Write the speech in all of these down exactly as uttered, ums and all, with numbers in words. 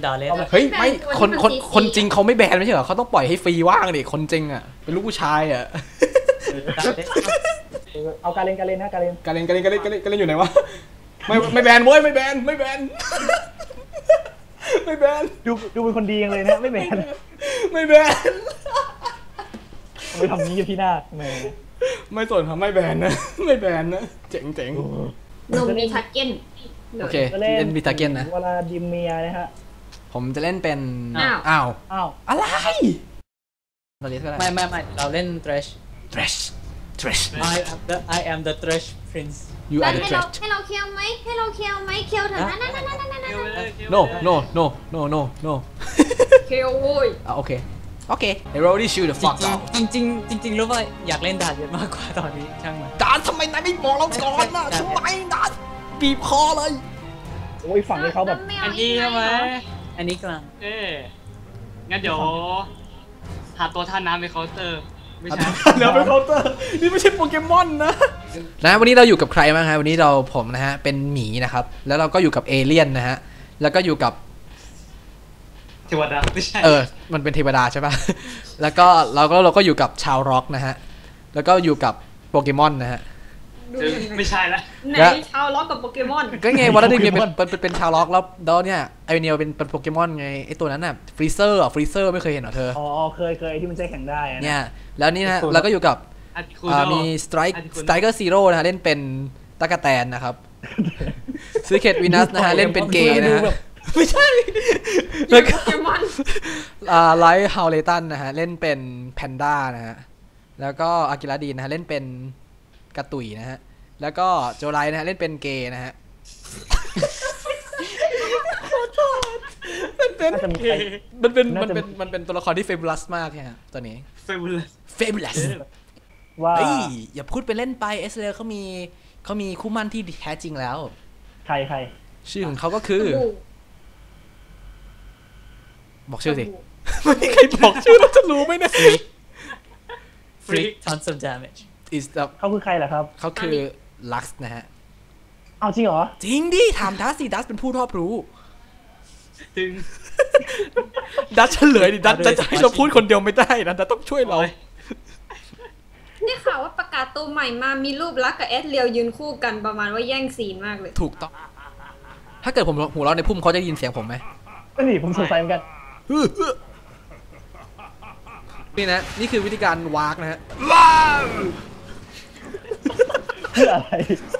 ด่าเล่นเฮ้ยไม่คนคนคนจริงเขาไม่แบนไม่ใช่เหรอเขาต้องปล่อยให้ฟรีว่างดิคนจริงอ่ะเป็นลูกผู้ชายอ่ะเอาการเล่นการเล่นนะการเล่นการเล่นการเล่นการเล่นการเล่นการเล่นอยู่ไหนวะไม่ไม่แบนเว้ยไม่แบนไม่แบนไม่แบนดูดูเป็นคนดียังเลยนะไม่แบนไม่แบนไม่ทำนี้กับพี่นาคแม่ไม่สนทำไม่แบนนะไม่แบนนะเจ๋งเจ๋งนมมีทักเก้นโอเคเล่นมีทักเก้นนะเวลาดิมเมียนะฮะผมจะเล่นเป็นอ้าวอ้าวอ้าวอะไรเราเล่นอะไรไม่ไม่ไม่เราเล่น thresh thresh thresh I am the I am the thresh prince you are the thresh ให้เราเคียวไหมให้เราเคียวไหมเคียวเถอะนั่นนั่นนั่นนั่นนั่น no no no no no no เคียวโว้ยอ่ะโอเคโอเค I already shoot the fuck out จริงจริงจริงจริงรู้ป่ะอยากเล่นดาดเยอะมากกว่าตอนนี้ช่างมันดาดทำไมนายไม่บอกเราก่อนน่ะทำไมดาดบีบคอเลยโอ้ยฝั่งนี้เขาแบบอันนี้ใช่ไหมอันนี้กลางเอ๊งั้นเดี๋ยวหาตัวท่าน้ำในเคาน์เตอร์ไม่ใช่แล้วเป็นเคาน์เตอร์นี่ไม่ใช่โปเกมอนนะนะวันนี้เราอยู่กับใครบ้างครับวันนี้เราผมนะฮะเป็นหมีนะครับแล้วเราก็อยู่กับเอเลี่ยนนะฮะแล้วก็อยู่กับเทวดาไม่ใช่เออมันเป็นเทวดาใช่ป่ะแล้วก็เราก็เราก็อยู่กับชาวร็อกนะฮะแล้วก็อยู่กับโปเกมอนนะฮะไม่ใช่ละไหนชาวล็อกกับโปเกมอนก็ไงวอลเลย์ดิเป็นเป็นเป็นชาวล็อกแล้วแล้วเนี่ยไอเนียเป็นเป็นโปเกมอนไงไอตัวนั้นน่ะฟรีเซอร์อ่ะฟรีเซอร์ไม่เคยเห็นเหรอเธออ๋อเคยเคยที่มันใช้แข่งได้เนี่ยแล้วนี่นะเราก็อยู่กับมีสไตร์สไตรเกอร์ซีโร่นะฮะเล่นเป็นตะกะแตนนะครับซีเคทวินัสนะฮะเล่นเป็นเกย์นะฮะไม่ใช่แล้วก็ไลท์ฮาวเลตันนะฮะเล่นเป็นแพนด้านะฮะแล้วก็อากิระดีนนะฮะเล่นเป็นกระตุยนะฮะแล้วก็โจไลนะฮะเล่นเป็นเกย์นะฮะมันเป็นมันเป็นมันเป็นมันเป็นตัวละครที่เฟเบลัสมากเนี่ยฮะตัวนี้เฟเบลัสเฟเบลัสว่าอย่าพูดไปเล่นไปเอสเลเขามีเขามีคู่มั่นที่แท้จริงแล้วใครใครชื่อของเขาก็คือบอกชื่อสิไม่มีใครบอกชื่อเราจะรู้ไหมเนี่ย Freak tons of damage is the เขาคือใครล่ะครับเขาคือลักซ์นะฮะเอาจริงเหรอจริงดิถามดัสสิดัสเป็นผู้รอบรู้จริงดัสเฉลยดิดัสจะให้เราพูดคนเดียวไม่ได้นะดัสต้องช่วยเรานี่ข่าวว่าประกาศตัวใหม่มามีรูปลักกับเอสเรียวยืนคู่กันประมาณว่าแย่งซีนมากเลยถูกต้องถ้าเกิดผมหัวเราะในพุ่มเขาจะยินเสียงผมไหมนี่ผมสงสัยเหมือนกันนี่นะนี่คือวิธีการวากนะฮะเพื่ออะไร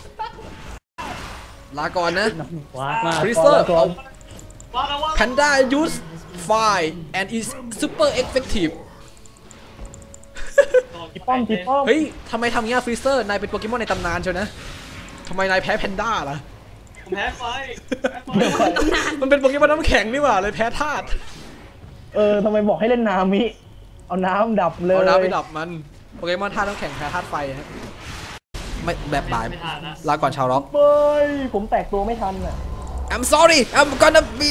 ลาก่อนนะวากมาก Freezer Panda use fire and is super effective จีป้อมจีป้อมเฮ้ยทำไมทำงี้ Freezer นายเป็นโปเกมอนในตำนานเชียวนะทำไมนายแพ้แพนด้าล่ะผมแพ้ไฟมันเป็นโปเกมอนน้ำแข็งนี่หว่าเลยแพ้ธาตุเออทำไมบอกให้เล่นน้ำมิเอาน้ำดับเลยเอาน้ำไปดับมันโปเกมอนธาตุน้ำแข็งแพ้ธาตุไฟฮะไม่แบบบ่ายลาก่อนชาวร็อกเฮ้ยผมแตกตัวไม่ทันอ่ะ I'm sorry I'm gonna be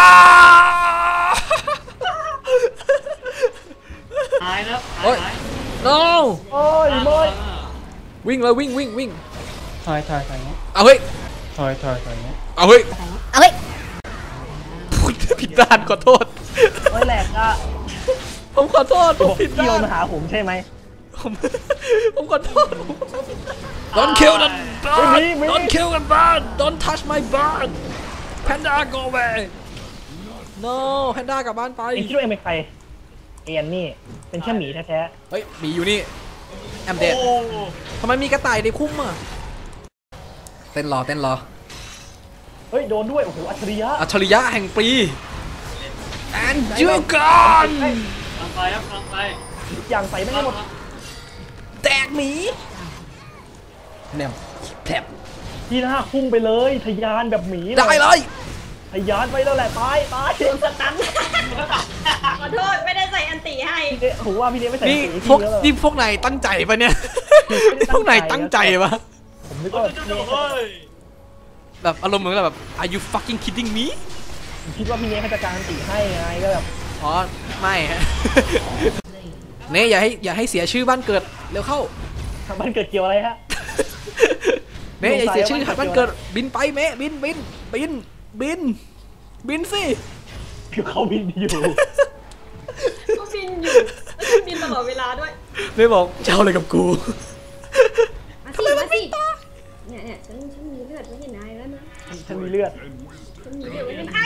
ตายแล้วโอ้ย no โอ้ยโมยวิ่งเลยวิ่งวิ่งวิ่งถอยถอยถอยเอาเฮ้ยถอยถอยถอยเอาเฮ้ยเอาเฮ้ยผิดด้านขอโทษไม่แหลกอ่ะผมขอโทษผมผิดด้านโยนมาหาผมใช่ไหมผมผมขอโทษ Don't kill the bird Don't kill the bird Don't touch my bird Panda go away No Panda กลับบ้านไปไอ้คิดว่าเอ็มเป็นใครเอ็นนี่เป็นแค่หมีแท้ๆเฮ้ยหมีอยู่นี่แอมเดดทำไมมีกระต่ายในคุ้มอ่ะเต้นรอเต้นรอเฮ้ยโดนด้วยโอ้โหอัจฉริยะอัจฉริยะแห่งปี and you gone ทำไปครับทำไปอย่างใส่ไม่หมดแตกหมีเนี่ยแผลบที่หน้าพุ่งไปเลยทะยานแบบหมีได้เลยทะยานไปแล้วแหละตายตายโดนสตันขอโทษไม่ได้ใส่อันติให้โหว่าพี่เนยไม่ใส่นี่พวกนี่พวกไหนตั้งใจปะเนี่ยพวกไหนตั้งใจปะผมนึกว่าแบบอารมณ์เหมือนแบบ Are you fucking kidding me คิดว่าพี่เนยเขาจะการอันติให้ไงก็แบบอ๋อไม่ฮะเน่อย่าให้อย่าให้เสียชื่อบ้านเกิดเร็วเข้าบ้านเกิดเกี่ยวอะไรฮะเน่อย่าเสียชื่อบ้านเกิดบินไปเมบินบินบินบินบินสิคือเขาบินอยู่ก็บินอยู่แล้วก็บินตลอดเวลาด้วยไม่บอกจะเอาอะไรกับกูมาสิมาสิเนี่ยเนี่ยฉันฉันมีเลือดไว้ในนายแล้วนะฉันมีเลือดฉันมีเลือดไว้ในนาย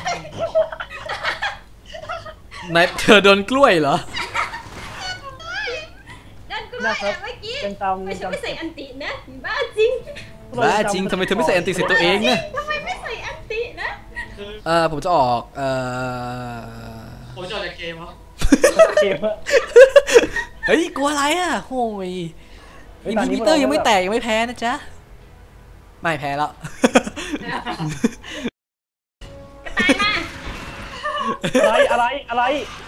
นายเธอโดนกล้วยเหรอดันกูเลยเมื่อกี้ยังตามไม่ยังใช่ตามไม่ใส่อันตินะบ้าจริงบ้าจริงทำไมเธอไม่ใส่แอนติเสร็จตัวเองเนี่ยทำไมไม่ใส่อันตินะเออผมจะออกเออผมจะออกจากเกมครับเกมอะเฮ้ยกลัวอะไรอ่ะโอ้ยอินพิเตอร์ยังไม่แตกยังไม่แพ้นะจ๊ะไม่แพ้แล้วอะไรอะไรอะไร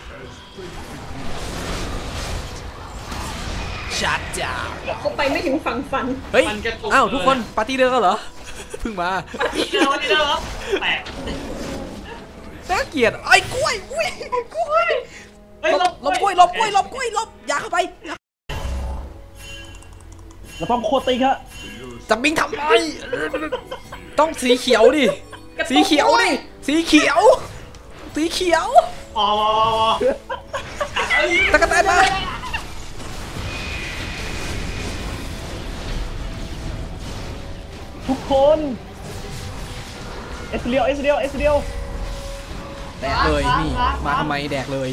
ชัดจ้าเขาไปไม่ถึงฝั่งฝันเฮ้ยอ้าวทุกคนปาร์ตี้เดิมกันเหรอเพิ่งมานี่เดิมนี่เดิมครับแปลกน่าเกลียดไอ้กล้วยอุ้ยกล้วยเฮ้ยหลบหลบกล้วยหลบกล้วยหลบกล้วยหลบอย่าเข้าไปเราต้องโคตรติ๊กฮะจะบิงทำไมต้องสีเขียวดิสีเขียวดิสีเขียวสีเขียวอ๋อตะกะแตนมาทุกคนเอสเดียวเอสเดียวเอสเดียวแดกเลยนี่มาทำไมแดกเลย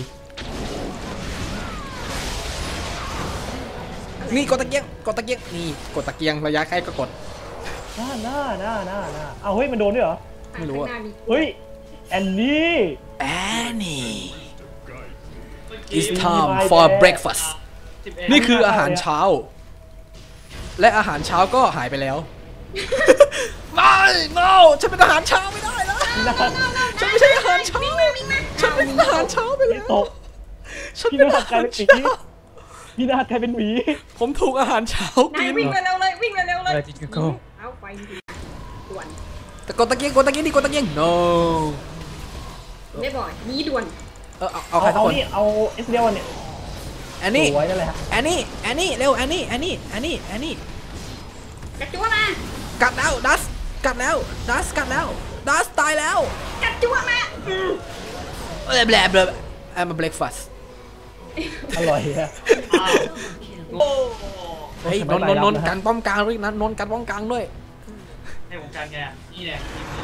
นี่กดตะเกียงกดตะเกียงนี่กดตะเกียงระยะใกล้ก็กดหน้าหน้าหน้าหน้าหน้าเอาเฮ้ยมันโดนด้วยเหรอไม่รู้อะข้างหน้ามีเฮ้ยแอนนี่ Annie It's time for breakfast นี่คืออาหารเช้า และอาหารเช้าก็หายไปแล้ว ไม่ no ฉันเป็นอาหารเช้าไม่ได้แล้วพี่นาฏฉันไม่ใช่อาหารเช้าฉันเป็นอาหารเช้าไปแล้วตกฉันพี่เป็นนาอาฏกลาหาย รเป็นหมีเช้าพี่นาฏกลายเป็นหมีผมถูกอาหารเช้านายกินวิ่งเร็วๆเลยวิ่งเร็วๆเลยอะไรที่กูเอาไปด่วนแต่กดตะเกียงกดตะเกียงดิกดตะเกียง no ไม่บ่อยนี้ด่วนเออเอาเอาเอาใครสักเอาคนนี่เอาเอสเดียวเนี่ยแอนนี่สวยนั่นแหละฮะแอนนี่แอนนี่เร็วแอนนี่แอนนี่แอนนี่แอนนี่กระจั่วมากัดแล้วดัสกัดแล้วดัสกัดแล้วดัสตายแล้วกระจั่วมาอืมเออแบลแบล I'm a breakfast อร่อยฮะโอ้เฮ้ยนนนนนกันป้อมกลางด้วยนะนนกันป้อมกลางด้วยให้ผมการแกนี่แหละ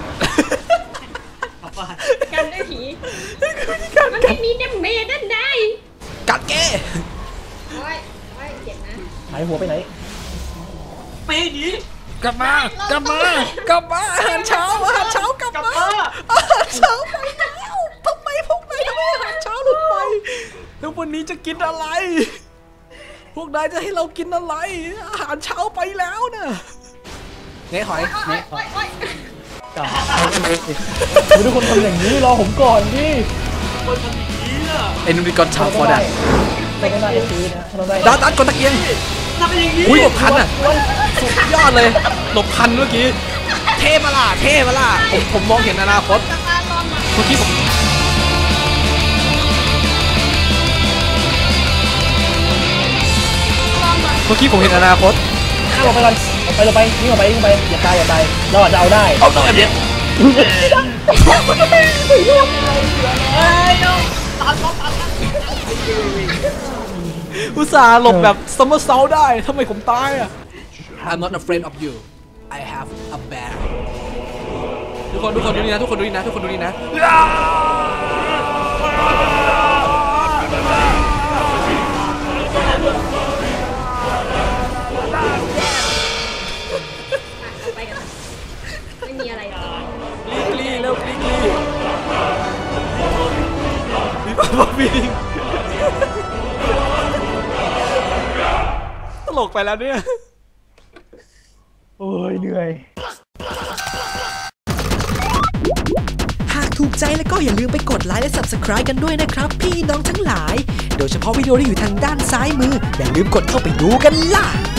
ขับบ้านกันด้วยผีมันไม่มีเดมเมจด้านในกัดแกโอ้ยโอ้ยเจ็บนะหายหัวไปไหนเป๊ะนี้กลับมากลับมากลับมาอาหารเช้าอาหารเช้ากลับกลับมามาอาหารเช้าไปแล้วทำไมพวกนายทำไมอาหารเช้าหลุดไปแล้ววันนี้จะกินอะไร พวกนายจะให้เรากินอะไร อาหารเช้าไปแล้วนะเน่หอยเน่หอยกลับทุกคนทำอย่างนี้รอผมก่อนดิคนทำอย่างนี้อ่ะเอ็นดูดิกอนชาวฟอร์ดันไม่ได้เอฟซีนะทำได้ดันดันกดตะเกียงทำอย่างนี้อุ้ยหลบทันอ่ะสุดยอดเลยหลบทันเมื่อกี้เท่มาล่ะเท่มาล่ะผมผมมองเห็นอนาคตเมื่อกี้ผมเมื่อกี้ผมเห็นอนาคตข้าลงไปก่อนไปลงไปนี่ลงไปนี่ลงไปอย่าตายอย่าตายเราอาจจะเอาได้เอาต้องแบบนี้ อุตส่าห์หลบแบบซัมเมอร์เซลได้ทำไมผมตายอ่ะ I'm not afraid of you I have a bear ทุกคนทุกคนดูนี่นะทุกคนดูนี่นะทุกคนดูนี่นะไปกันไม่มีอะไรหรอกกลีกลีเร็วกลีกลีมีป้าป้าบิงตลกไปแล้วเนี่ยโอ้ยเหนื่อยหากถูกใจแล้วก็อย่าลืมไปกดไลค์และ ซับสไครบ์ กันด้วยนะครับ พี่น้องทั้งหลาย โดยเฉพาะวิดีโอที่อยู่ทางด้านซ้ายมือ อย่าลืมกดเข้าไปดูกันล่ะ